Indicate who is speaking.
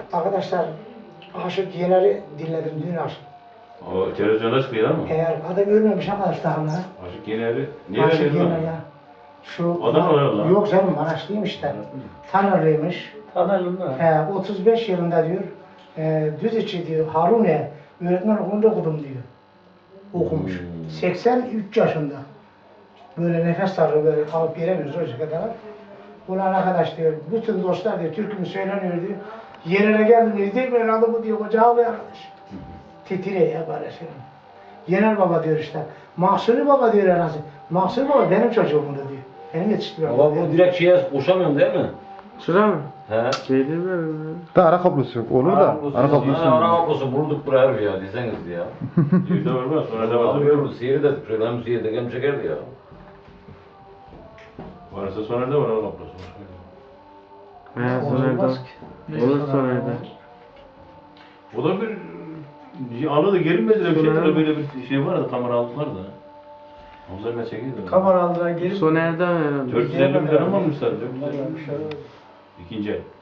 Speaker 1: Arkadaşlar Aşık Yener'i dinledim dün akşam.
Speaker 2: O televizyonda çıkıyor ama.
Speaker 1: Eğer adam görmemiş arkadaşlar hala.
Speaker 2: Aşık Yener'i niye
Speaker 1: Aşık
Speaker 2: veriyorsun
Speaker 1: Yener
Speaker 2: lan?
Speaker 1: ya. Şu
Speaker 2: Adam var lan.
Speaker 1: Yok canım Maraşlıyım işte. Tanrılıymış.
Speaker 3: Tanırım da.
Speaker 1: 35 yılında diyor. Düziçi diyor. Harune öğretmen okulunda okudum diyor. Okumuş. 83 yaşında. Böyle nefes darlığı böyle alıp veremiyoruz o kadar. Ulan arkadaş diyor, bütün dostlar diyor, türkümü söyleniyor diyor. Yerine geldim diyor, değil mi herhalde bu diyor, koca ağlıyor arkadaş. Titriyor ya böyle şey. Yener baba diyor işte. Mahsuni baba diyor herhalde. Mahsuni baba benim çocuğumdu diyor. Benim yetiştiriyorum.
Speaker 4: Baba bu direkt şeye koşamıyorsun değil mi?
Speaker 3: Sıra mı?
Speaker 4: He.
Speaker 3: Şey değil mi?
Speaker 5: Da ara kablosu yok. Olur da. Ara kablosu
Speaker 4: Ara
Speaker 5: yok.
Speaker 4: kablosu bulduk buraya abi ya deseniz ya.
Speaker 2: Evde var sonra da
Speaker 4: Abi
Speaker 2: var.
Speaker 4: görürüz seyir dedik şöyle hem seyir dedik hem çekerdi ya.
Speaker 2: Varsa sonra da var o kaplosu.
Speaker 3: He Soner'de. Olur Soner'de.
Speaker 2: O da bir anı da gelinmediler bir şeyler böyle bir şey var da kamera aldılar da. Onlar ne çekiyordu?
Speaker 3: Kamera aldıran gelip. Soner'de herhalde.
Speaker 2: 450 milyon almamışlar. 450 milyon. İkinci el.